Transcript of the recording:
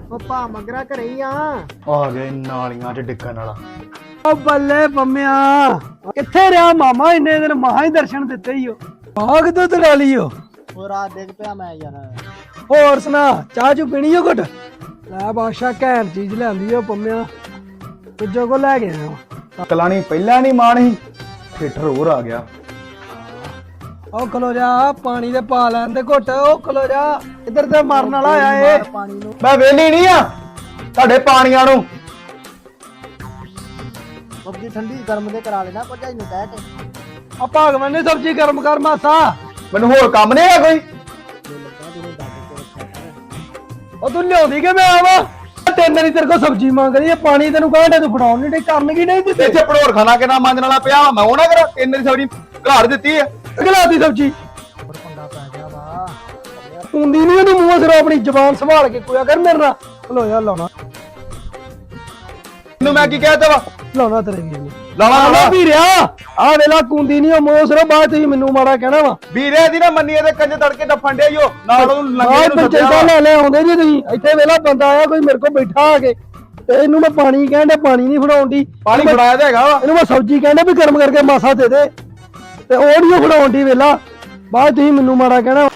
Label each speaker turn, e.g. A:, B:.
A: ਉਹ ਭਾ ਮਗਰਾ ਘਰੇ ਹੀ
B: ਆ ਗਏ ਨਾਲੀਆਂ 'ਚ ਡਿੱਗਣ ਵਾਲਾ।
C: ਓ ਬੱਲੇ ਬੰਮਿਆ ਕਿੱਥੇ ਰਿਹਾ ਮਾਮਾ ਇੰਨੇ ਦਿਨ ਮਹਾ ਹੀ ਦਰਸ਼ਨ ਦਿੱਤੇ ਹੀ ਹੋ ਬਾਗ ਤੋਂ ਤੜਾ ਲਿਓ।
A: ਉਹ ਰਾਤ ਡਿੱਗ ਪਿਆ ਮੈਂ ਯਾਰ।
C: ਹੋਰ ਸੁਣਾ ਚਾਹ ਚੂ ਪੀਣੀ ਓ ਘਟ ਲੈ ਬਾਦਸ਼ਾਹ ਘੈਂਟ ਚੀਜ਼ ਲਿਆਂਦੀ ਓ ਬੰਮਿਆ ਕੁਝੋ ਕੋ ਲੈ ਗਿਆ
B: ਕਲਾਣੀ ਪਹਿਲਾਂ ਨਹੀਂ ਮਾਣ ਸੀ ਥੀਏਟਰ ਹੋਰ ਆ ਗਿਆ।
C: ਓ ਖਲੋ ਜਾ ਪਾਣੀ ਦੇ ਪਾ ਲੈਣ ਤੇ ਘੁੱਟ ਓ ਖਲੋ ਜਾ ਇੱਧਰ ਤੇ ਮਰਨ ਵਾਲਾ ਆਇਆ ਏ।
A: ਪਾਣੀ ਨੂੰ
B: ਮੈਂ ਵੇਲੀ ਨਹੀਂ ਆ ਤੁਹਾਡੇ ਪਾਣੀਆਂ ਨੂੰ।
A: ਸਬਜ਼ੀ ਠੰਡੀ ਗਰਮ ਦੇ ਕਰਾ ਲੈਣਾ ਭਰਜਾਈ ਨੂੰ ਕਹਿ ਕੇ।
C: ਆ ਭਗਵਾਨ ਨੇ ਸਬਜ਼ੀ ਗਰਮ ਕਰ ਮਾਸਾ।
B: ਮੈਨੂੰ ਹੋਰ ਕੰਮ ਨਹੀਂ ਹੈ ਕੋਈ।
C: ਉਹ ਤੂੰ ਲਿਆਉਂਦੀ ਕਿ ਮੈਂ ਆਵਾ ਤਿੰਨ ਦਿਨ ਤੇਰੇ ਕੋ ਸਬਜ਼ੀ ਮੰਗ ਰਹੀ ਹੈ ਪਾਣੀ ਤੈਨੂੰ ਕਹਿੰਦੇ ਤੂੰ ਫੜਾਉਣ ਨਹੀਂ ਡੇ ਕਰਨ ਕੀ ਨਹੀਂ ਦਿੱਤੇ
B: ਇੱਥੇ ਭੜੋਰ ਖਾਣਾ ਕਿੰਨਾ ਮੰਜਣ ਵਾਲਾ ਪਿਆ ਵਾ ਮੈਂ ਉਹ ਨਾ ਕਰਾਂ ਤਿੰਨ ਦੀ ਸਬਜ਼ੀ ਘਰ ਦਿੱਤੀ ਹੈ।
C: ਗਲਾਤੀ ਸਬਜ਼ੀ
A: ਹੋਰ ਪੰਗਾ ਪੈ ਗਿਆ ਵਾ।
C: ਹੁੰਦੀ ਨਹੀਂ ਉਹਦੀ ਮੂੰਹ ਸਿਰ ਆਪਣੀ ਜ਼ਬਾਨ ਸੰਭਾਲ ਕੇ ਕੋਇਆ ਕਰ ਮੇਰੇ ਨਾਲ ਖਲੋਇਆ ਲਾਉਣਾ
B: ਤੈਨੂੰ ਮੈਂ ਕੀ ਕਹਿਤਾ ਵਾ
C: ਲਾਉਣਾ ਤੇਰੇ ਵੀਰ ਨੂੰ
B: ਲਾਵਾ
C: ਲਾਉਣਾ ਵੀ ਰਿਆ ਆ ਵੇਲਾ ਕੁੰਦੀ ਨਹੀਂ ਉਹ ਮੂੰਹ ਸਿਰ ਬਾਅਦ ਤੁਸੀਂ ਮੈਨੂੰ ਮਾੜਾ ਕਹਿਣਾ ਵਾ
B: ਵੀਰੇ ਦੀ ਨਾ ਮੰਨੀਏ ਤੇ ਕੰਜ ਤੜਕੇ ਡੱਫਣ ਡੇ ਈਓ ਨਾਲ ਉਹਨੂੰ ਲੰਗੇ ਨੂੰ ਸੱਦਿਆ
C: ਪੰਚਾਇਤਾਂ ਲੈ ਲੈ ਆਉਂਦੇ ਜੀ ਤੁਸੀਂ ਇੱਥੇ ਵੇਲਾ ਬੰਦਾ ਆਇਆ ਕੋਈ ਮੇਰੇ ਕੋਲ ਬੈਠਾ ਆ ਕੇ ਤੇ ਇਹਨੂੰ ਮੈਂ ਪਾਣੀ ਕਹਿੰਦਾ ਪਾਣੀ ਨਹੀਂ ਫੜਾਉਣ ਦੀ
B: ਪਾਣੀ ਫੜਾਇਆ ਤੇ ਹੈਗਾ ਵਾ।
C: ਇਹਨੂੰ ਮੈਂ ਸਬਜ਼ੀ ਕਹਿੰਦਾ ਵੀ ਗਰਮ ਕਰਕੇ ਮਾਸਾ ਦੇ ਦੇ ਤੇ ਉਹ ਨਹੀਂ ਫੜਾਉਣ ਦੀ ਵੇਲਾ ਬਾਅਦ ਤੁਸੀਂ ਮੈਨੂੰ ਮਾੜਾ ਕਹਿਣਾ